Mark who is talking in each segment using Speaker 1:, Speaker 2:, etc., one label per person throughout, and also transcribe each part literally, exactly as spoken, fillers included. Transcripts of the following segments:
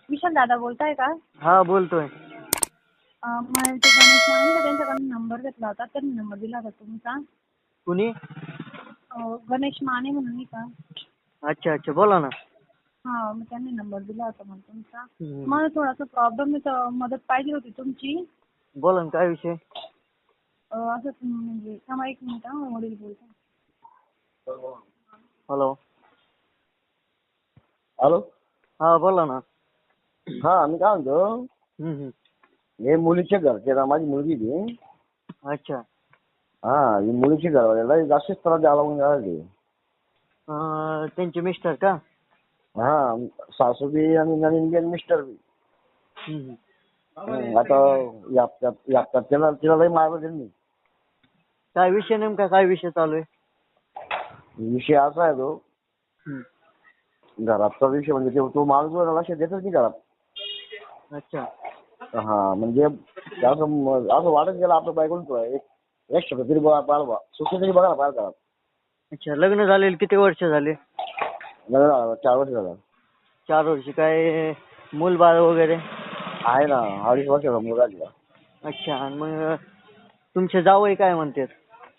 Speaker 1: विशाल दादा बोलताय का?
Speaker 2: हा बोलतोय.
Speaker 1: अं, मला ते गणेश माने का त्यांच्याकडून नंबर घेतला होता, त्यांनी नंबर दिला होता तुमचा.
Speaker 2: कुणी?
Speaker 1: अं, गणेश माने म्हणून नाही का?
Speaker 2: अच्छा अच्छा बोला ना.
Speaker 1: हा, मग त्यांनी नंबर दिला होता मला तुमचा.
Speaker 2: हम्म.
Speaker 1: मला थोडासा प्रॉब्लेम आहे, तर मदत पाहिजे होती तुमची.
Speaker 2: बोला ना, काय विषय?
Speaker 1: अं, असंच म्हणजे थांबा एक मिनिट हा, वडील बोलतो.
Speaker 2: हॅलो.
Speaker 3: हॅलो.
Speaker 2: हा बोला ना.
Speaker 3: हा, मी काय म्हणतो,
Speaker 2: हम्म हम्म.
Speaker 3: हे मुलीच्या घरचे ना, माझी मुलगी ती.
Speaker 2: अच्छा.
Speaker 3: हा, ही मुलीची घरवाल्याला जास्तच त्रास द्यायला लागून राहिले.
Speaker 2: अं, त्यांचे मिस्टर का?
Speaker 3: हा, सासू बी आणि नवीन बी आणि मिस्टर बी.
Speaker 2: हम्म हम्म.
Speaker 3: हं, आता या हप्त्यात- या हप्त्यात तिला तिला लई मारलं त्यांनी.
Speaker 2: काय विषय नेमका काय विषय चालू आहे?
Speaker 3: विषय असा आहे तो,
Speaker 2: हम्म.
Speaker 3: घराचा विषय म्हणजे तो- तो माणूस जो लक्ष देतच नाही घरात.
Speaker 2: अच्छा.
Speaker 3: हा, म्हणजे असं म- असं वाटत गेलं आपल्या बायकोला एक एक शब्द तरी बघा पाहिला सुखी तरी बघा पाहिजे घरात.
Speaker 2: अच्छा, लग्न झालेलं किती वर्ष झाले?
Speaker 3: लग्न झालं, चार वर्ष झालं.
Speaker 2: चार वर्ष. काय मूल बाळ वगैरे?
Speaker 3: आहे ना, अडीच वर्षाचा मुलगा आहे तिला.
Speaker 2: अच्छा. आणि मग तुमचे जावई काय म्हणतात?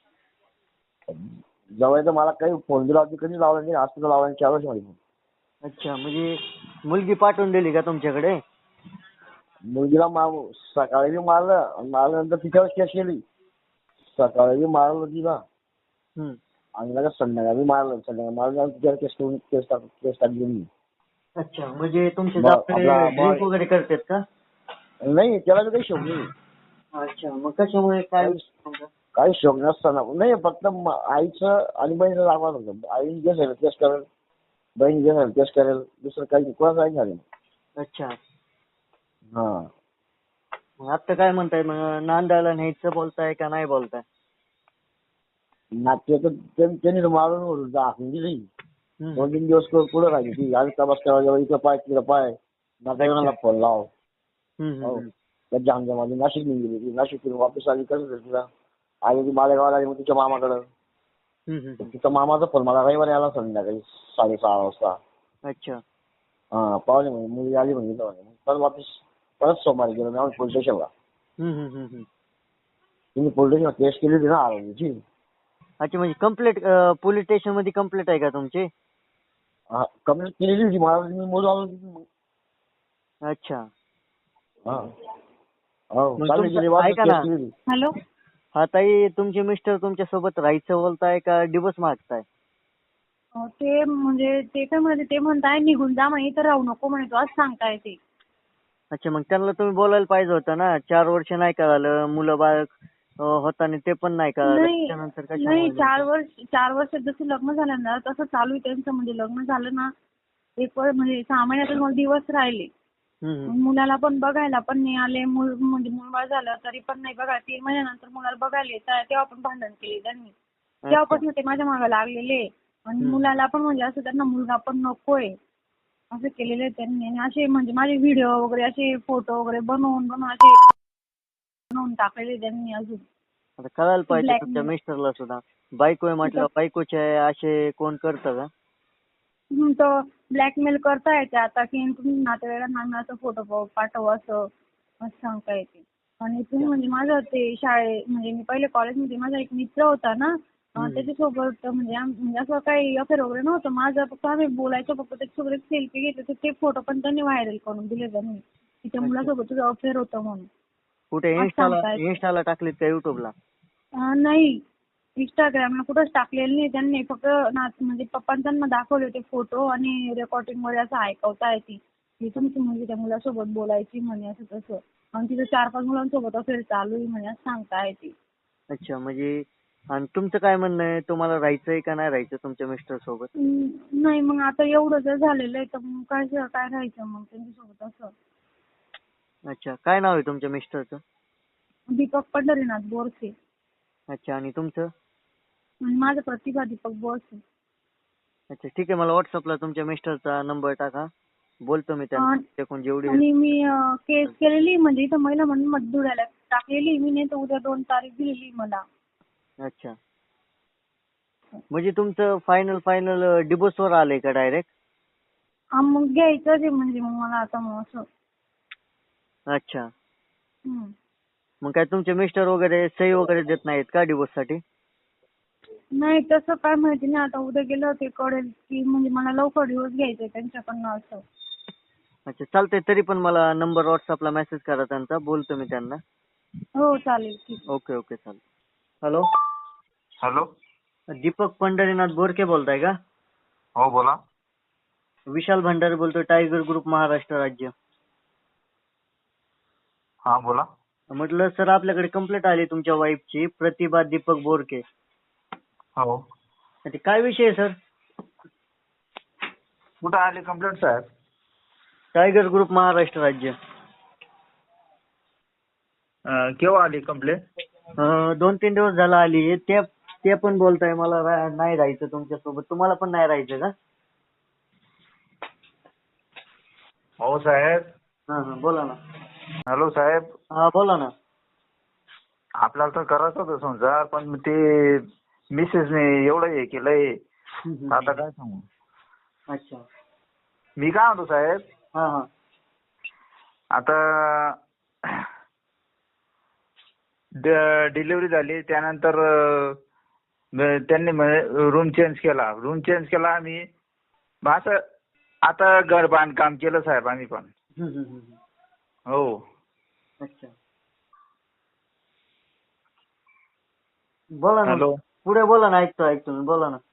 Speaker 3: जवळ तर मला काही फोन दिला होती, कधी लावला नाही, आज तुझा लावला चार वर्ष मध्ये.
Speaker 2: अच्छा, म्हणजे मुलगी पाठवून दिली का तुमच्याकडे?
Speaker 3: मुलगीला मार सकाळी बी मारलं आणि मारल्यानंतर तिच्यावर केस केली. सकाळी बी मारलं तिला
Speaker 2: हम्म.
Speaker 3: आणि लगेच संध्याकाळी मारलं. संध्याकाळी मारल्यानंतर तिच्यावर केस करून केस टाक केस टाकली मी.
Speaker 2: अच्छा, म्हणजे तुमचे
Speaker 3: मग
Speaker 2: जावई
Speaker 3: आपला
Speaker 2: ड्रिंक
Speaker 3: मग
Speaker 2: वगैरे करतात का?
Speaker 3: नाही, त्याला बी काही शोक नाही.
Speaker 2: अच्छा, मग कशामुळे काय?
Speaker 3: काही काही शोक नसताना नाही, फक्त म- आईचं आणि बहिणीचं लागणार होतं. आई जे झालं तेच करेल, बहीण जे झालं तेच करेल, दुसरं काही कोणाचं काही झालं.
Speaker 2: अच्छा.
Speaker 3: हा,
Speaker 2: मग आता काय म्हणताय? मग नांदायला न्यायचं बोलताय का नाही बोलताय?
Speaker 3: नाट्य तर त्यां- त्यांनी तर मारून दाखवून दिली.
Speaker 2: हम्म.
Speaker 3: दोन तीन दिवस पुढे राहिली ती. आज तपास करायला इकडं पाय तिकडं पाय, नाट्यगृहाला फोन लाव.
Speaker 2: हम्म,
Speaker 3: हो,
Speaker 2: हम्म,
Speaker 3: त्या जामजामध्ये नाशिक घेऊन गेली ती. नाशिक फिरून वापस आली, कसं झालं तिला आली ती मालेगावला आली, मग तिच्या मामाकडं.
Speaker 2: हम्म, हम्म, हम्म.
Speaker 3: तिचा मामाचा फोन मला रविवारी आला संध्याकाळी साडेसहा वाजता.
Speaker 2: अच्छा.
Speaker 3: हा, पावले म्हणजे मुलगी आली म्हणजे इथं म्हणे. मग परत वापस परत सोमवारी गेलो मी पोलीस स्टेशनला.
Speaker 2: हम्म, हम्म, हम्म, हम्म.
Speaker 3: तुम्ही पोलीस स्टेशनला केस केली होती ना आरोग्याची.
Speaker 2: अच्छा, म्हणजे कंप्लेंट पोलीस स्टेशन मध्ये कंप्लेंट आहे का तुमची?
Speaker 3: हा, कंप्लेंट केलेली होती मला, मी मोजून आलो तिथे.
Speaker 2: अच्छा.
Speaker 3: हा, हो,
Speaker 2: मग
Speaker 3: चालली
Speaker 2: तुमचं
Speaker 3: गेली वाजता
Speaker 2: ऐका
Speaker 3: केस
Speaker 2: ना.
Speaker 3: केली होती.
Speaker 1: हॅलो.
Speaker 2: हा ताई, तुमचे मिस्टर तुमच्या सोबत राहायचं बोलताय का डिवोर्स मागताय?
Speaker 1: अं, ते म्हणजे ते काय म्हणते, ते म्हणताय निघून जा म्हणे, इथं राहू नको म्हणे, तो असं सांगताय ते.
Speaker 2: अच्छा, मग त्यांना तुम्ही बोलायला पाहिजे होतं ना. चार वर्ष नाही कळालं, मुलं बाळ अं, होताना ते पण नाही कळालं,
Speaker 1: नाही
Speaker 2: त्याच्यानंतर
Speaker 1: नाही,
Speaker 2: कशामुळे
Speaker 1: चार
Speaker 2: नेमकं?
Speaker 1: वर्ष चार वर्षात जसं लग्न झालं ना तसं चालू आहे त्यांचं. म्हणजे लग्न झालं ना एक वर्ष म्हणजे सहा महिन्यातच मग दिवस राहिले.
Speaker 2: हम्म,
Speaker 1: मग
Speaker 2: हम्म.
Speaker 1: मुलाला पण बघायला पण नाही आले. मूल म्हणजे मूलबाळ झालं तरी पण नाही बघा. तीन महिन्यानंतर मुलाला बघायला येतात, तेव्हा पण भांडण केले त्यांनी.
Speaker 2: अच्छा.
Speaker 1: तेव्हापासून ते माझ्या मागे लागलेले. आणि
Speaker 2: हम्म.
Speaker 1: मुलाला पण म्हणजे असं त्यांना मुलगा पण नकोय असं केलेलं आहे त्यांनी. आणि असे म्हणजे माझे व्हिडिओ वगैरे असे फोटो वगैरे बनवून बनवून असे बनवून टाकलेले त्यांनी. अजून
Speaker 2: आता कळायला पाहिजे तुमच्या
Speaker 1: ब्लॅकमेल
Speaker 2: मिस्टरला सुद्धा. बायको आहे म्हटलं, बायकोचे आहे असे कोण करतं का?
Speaker 1: हं, तर ब्लॅकमेल करता येते आता की तुम्ही नातेवाईकांना आम्ही असं फोटो पाठव असं असं सांगता येते. आणि तुम्ही म्हणजे माझं ते शाळे म्हणजे मी पहिले कॉलेजमध्ये माझा एक मित्र होता ना, अं,
Speaker 2: हम्म.
Speaker 1: त्याच्यासोबत म्हणजे आम- म्हणजे असं काही अफेअर वगैरे नव्हतं माझं. फक्त आम्ही बोलायचो फक्त. त्याच्यासोबत एक सेल्फी घेतली तर ते फोटो पण त्यांनी व्हायरल करून दिले त्यांनी की त्या
Speaker 2: अच्छा.
Speaker 1: मुलासोबत तुझं अफेअर होतं म्हणून
Speaker 2: कुठे
Speaker 1: असं
Speaker 2: इन्स्टाला
Speaker 1: सांगतायत.
Speaker 2: इन्स्टाला टाकलीत का युट्यूबला?
Speaker 1: अं, नाही, इंस्टाग्रामला कुठंच टाकलेलं नाही त्यांनी. फक्त ना म्हणजे पप्पांनी त्यांना दाखवले होते फोटो आणि रेकॉर्डिंग मध्ये असं ऐकवता येते की तुमची मुलगी त्या मुलासोबत बोलायची म्हणे असं तसं. आणि तिथं चार पाच मुलांसोबत अफेअर चालू आहे म्हणे असं सांगता येते.
Speaker 2: अच्छा, म्हणजे आणि तुमचं काय म्हणणं आहे? तुम्हाला राहायचंय का नाही राहायचं तुमच्या मिस्टर सोबत?
Speaker 1: हं, नाही, मग आता एवढं जर झालेलं आहे तर मग काय काय राहायचं मग त्यांच्यासोबत असं.
Speaker 2: अच्छा, काय नाव आहे तुमच्या मिस्टरचं?
Speaker 1: दीपक पंढरीनाथ बोरसे.
Speaker 2: अच्छा, आणि तुमचं?
Speaker 1: आणि माझं प्रतिभा दीपक बोरसे.
Speaker 2: अच्छा, ठीक आहे. मला व्हॉट्सअपला तुमच्या मिस्टरचा नंबर टाका, बोलतो मी
Speaker 1: अं,
Speaker 2: त्यांच्याकडून जेवढी
Speaker 1: आणि
Speaker 2: हेल्प.
Speaker 1: मी अं, केस केलेली म्हणजे इथं महिला म्हणून मधुराला टाकलेली मी. नाही तर उद्या दोन तारीख दिलेली मला.
Speaker 2: अच्छा, म्हणजे तुमचं फायनल फायनल डिवोर्सवर आलंय का डायरेक्ट?
Speaker 1: हा मग घ्यायचंच आहे म्हणजे मग मला आता मग असं.
Speaker 2: अच्छा.
Speaker 1: हम्म.
Speaker 2: मग काय तुमचे मिस्टर वगैरे सही वगैरे देत नाहीत का डिवोर्स साठी?
Speaker 1: नाही तसं काय माहिती नाही, आता उद्या गेलं ते कळेल की म्हणजे मला लवकर डिवोर्स घ्यायचा आहे त्यांच्याकडनं असं.
Speaker 2: अच्छा चालतंय, तरी पण मला नंबर व्हॉट्सअपला मेसेज करा त्यांचा, बोलतो मी त्यांना.
Speaker 1: हो चालेल ठीक आहे.
Speaker 2: ओके ओके चालेल. Hello,
Speaker 4: hello.
Speaker 2: दीपक पंढरीनाथ बोरके बोलताय का?
Speaker 4: हो बोला.
Speaker 2: विशाल भंडारे बोलतोय, टायगर ग्रुप महाराष्ट्र राज्य.
Speaker 4: हा बोला.
Speaker 2: म्हटलं सर आपल्याकडे कंप्लेंट आली तुमच्या वाईफची, प्रतिभा दीपक बोरके.
Speaker 4: हो.
Speaker 2: ते काय विषय आहे सर?
Speaker 4: कुठं आली कंप्लेंट साहेब?
Speaker 2: टायगर ग्रुप महाराष्ट्र राज्य.
Speaker 4: अं, केव्हा आली कंप्लेंट?
Speaker 2: अं, दोन तीन दिवस झाला आली. ते ते पण बोलताय मला रा- नाही राहायचं तुमच्यासोबत. तुम्हाला पण नाही राहायचं का?
Speaker 4: हो साहेब.
Speaker 2: हा हा बोला ना.
Speaker 4: हॅलो साहेब.
Speaker 2: हा बोला ना.
Speaker 4: आपल्याला तर करायचं होतं संसार, पण ते मिसेसने एवढं हे केलंय,
Speaker 2: हम्म,
Speaker 4: आता काय सांगू.
Speaker 2: अच्छा.
Speaker 4: मी काय म्हणतो साहेब,
Speaker 2: हा हा
Speaker 4: आता डिलिव्हरी झाली त्यानंतर अं, त्यांनी रूम चेंज केला. रूम चेंज केला आम्ही. मग असं आता घर बांधकाम केलं साहेब आम्ही पण.
Speaker 2: हम्म, हम्म, हम्म.
Speaker 4: हो.
Speaker 2: अच्छा. बोला ना.
Speaker 4: हॅलो.
Speaker 2: पुढे बोला ना, ऐकतो ऐकतो मी, बोला ना.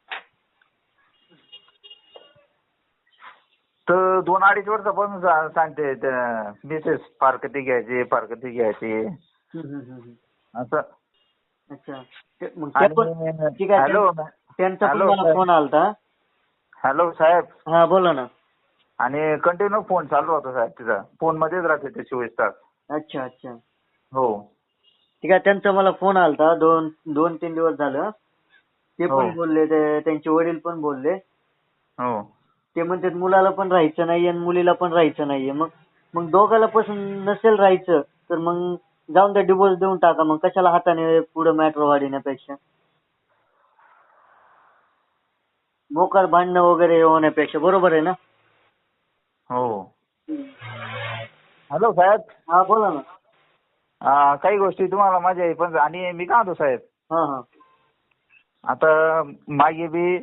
Speaker 4: तर दोन अडीच वर्षापासून सा- सांगते त्या मिसेस फारकती घ्यायची फारकती घ्यायची
Speaker 2: हम्म, हम्म, हम्म.
Speaker 4: असं.
Speaker 2: अच्छा. ते- मग ते पण
Speaker 4: आणि
Speaker 2: ठीक आहे.
Speaker 4: हॅलो
Speaker 2: त्यां- त्यांचा पण
Speaker 4: हॅलो
Speaker 2: मला
Speaker 4: साहेब.
Speaker 2: फोन आलता.
Speaker 4: हॅलो साहेब.
Speaker 2: हा बोला ना.
Speaker 4: आणि कंटिन्यू फोन चालू होता साहेब तिचा. फोन मध्येच राहते ते चोवीस तास.
Speaker 2: अच्छा अच्छा.
Speaker 4: हो
Speaker 2: ठीक आहे. त्यांचा मला फोन आलता दोन दोन तीन दिवस झालं. ते
Speaker 4: हो.
Speaker 2: पण बोलले, ते त्यांचे वडील पण बोलले.
Speaker 4: हो.
Speaker 2: ते म्हणतात मुलाला पण राहायचं नाहीये आणि मुलीला पण राहायचं नाहीये. मग मग दोघाला पासून नसेल राहायचं तर मग जाऊन द्या, डिवोर्स देऊन टाका. मग कशाला हाताने पुढे मॅटर वाढवण्यापेक्षा, मोकार भांडणं वगैरे होण्यापेक्षा. बरोबर आहे ना?
Speaker 4: हो. हॅलो साहेब.
Speaker 2: हा बोला ना.
Speaker 4: आ, काही गोष्टी तुम्हाला मजा येईल, पण आणि मी काय म्हणतो साहेब,
Speaker 2: हा हा
Speaker 4: आता मागे बी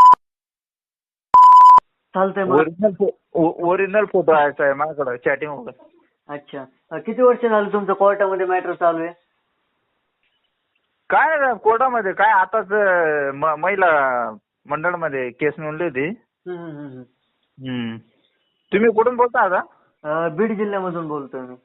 Speaker 2: चालतंय मग.
Speaker 4: ओरिजिनल ओरिजिनल फोटो आहे साहेब माझ्याकडे चॅटिंग वगैरे.
Speaker 2: अच्छा. अ, किती वर्ष झालं तुमचं कोर्टामध्ये मॅटर चालू आहे?
Speaker 4: काय नाही कोर्टामध्ये काय आताच अं, म- महिला मंडळमध्ये केस नोंदली होती.
Speaker 2: हम्म, हम्म, हम्म.
Speaker 4: हम्म. तुम्ही कुठून बोलता आता?
Speaker 2: अ, बीड जिल्ह्यामधून बोलतोय मी.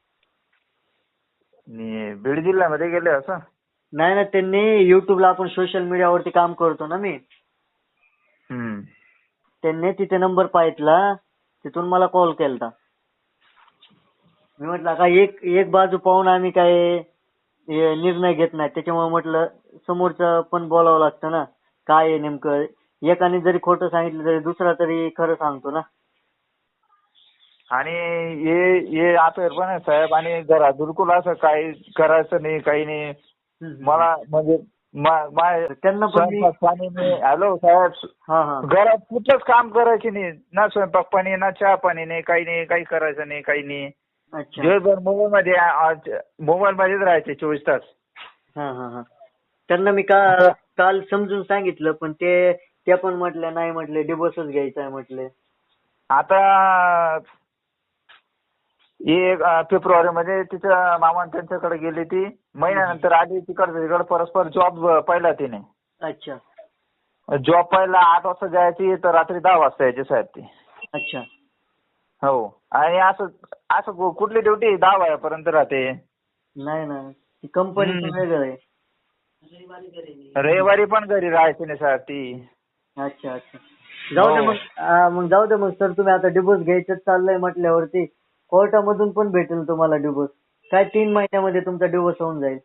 Speaker 4: मी बीड जिल्ह्यामध्ये गेले असं?
Speaker 2: नाही ना, त्यांनी युट्यूबला, आपण सोशल मीडियावरती काम करतो ना मी,
Speaker 4: हम्म.
Speaker 2: त्यांनी तिथे नंबर पाहितला, तिथून मला कॉल केलता. मी म्हटलं का एक एक बाजू पाहून आम्ही काय हे निर्णय घेत नाही. त्याच्यामुळे म्हटलं समोरचं पण बोलावं लागतं ना, काय आहे नेमकं. एकाने जरी खोटं सांगितलं तरी दुसरा तरी खरं सांगतो ना.
Speaker 4: आणि हे हे अफेअर पण आहे साहेब, आणि घरात बिलकुल असं काही करायचं नाही, काही नाही. मला म्हणजे मा- मा-
Speaker 2: त्यांना पण मी
Speaker 4: स्वयंपाक पाणी नाही. हॅलो साहेब.
Speaker 2: हा हा
Speaker 4: घरात कुठलंच काम करायचे नाही, ना स्वयंपाक पाणी ना चहा पाणी नाही, काही नाही, काही करायचं नाही, काही नाही.
Speaker 2: अच्छा.
Speaker 4: दिवसभर मोबाईल मध्ये मोबाईल मध्येच राहायचे चोवीस तास.
Speaker 2: हा हा हा त्यांना मी का काल समजून सांगितलं, पण ते त्या पण म्हटल्या नाही, म्हटले डिवोर्सच घ्यायचा आहे म्हटले.
Speaker 4: आता एक फेब्रुवारी मध्ये तिच्या मामा त्यांच्याकडे गेली, ती महिन्यानंतर आली तिकडे तिकडे परस्पर जॉब पाहिला तिने.
Speaker 2: अच्छा
Speaker 4: जॉब पाहिला आठ वाजता जायची तर रात्री दहा वाजता यायची साहेब ती.
Speaker 2: अच्छा.
Speaker 4: हो. आणि असं असं कुठली ड्युटी दहा वाजेपर्यंत राहते?
Speaker 2: नाही ना, ती कंपनीचं वेगळं आहे.
Speaker 4: रविवारी पण घरी राहायची नाही साहेब ती.
Speaker 2: अच्छा अच्छा. जाऊ दे
Speaker 4: हो.
Speaker 2: मग. आ, मग जाऊ दे मग सर, तुम्ही आता डिवोर्स घ्यायचं चाललंय म्हटल्यावरती कोर्टामधून पण भेटेल तुम्हाला डिवोर्स. काय तीन महिन्यामध्ये तुमचा डिवोर्स होऊन जाईल.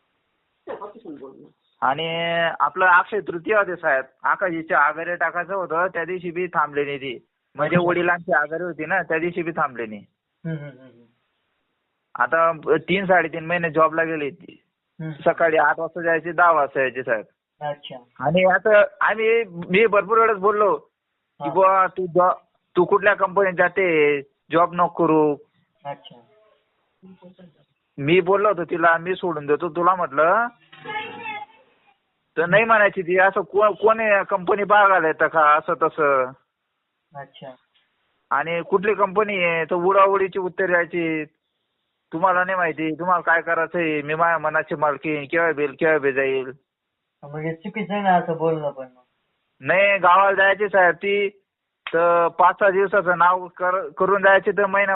Speaker 4: आणि आपलं अक्षय तृतीया होते साहेब, आकाशीची आघाडी टाकायचं होतं, त्या दिवशी बी थांबले नाही ती. म्हणजे वडिलांची आघाडी होती ना, त्या दिवशी बी थांबले नाही. आता तीन साडेतीन महिने जॉबला गेली ती. सकाळी आठ वाजता जायची, दहा वाजता यायची साहेब.
Speaker 2: अच्छा.
Speaker 4: आणि आता आम्ही मी भरपूर वेळेस बोललो की बुवा तू जॉब तू कुठल्या कंपनीत जाते, जॉब नको करू.
Speaker 2: अच्छा.
Speaker 4: मी बोललो होतो तिला, मी सोडून देतो तुला म्हटलं, तर नाही म्हणायची ती. असं को- कोणी कंपनी बघायला येतं का असं तसं.
Speaker 2: अच्छा.
Speaker 4: आणि कुठली कंपनी आहे तर उडाउडीची उत्तर द्यायची. तुम्हाला नाही माहिती, तुम्हाला काय करायचंय, मी माझ्या मनाची मालकी, केव्हा बिल केव्हा बी जाईल.
Speaker 2: म्हणजे चुकीचं आहे ना असं बोलणं पण.
Speaker 4: नाही, गावाला जायची साहेब ती, तर पाच सहा दिवसाचं नाव कर- करून जायची तर महिना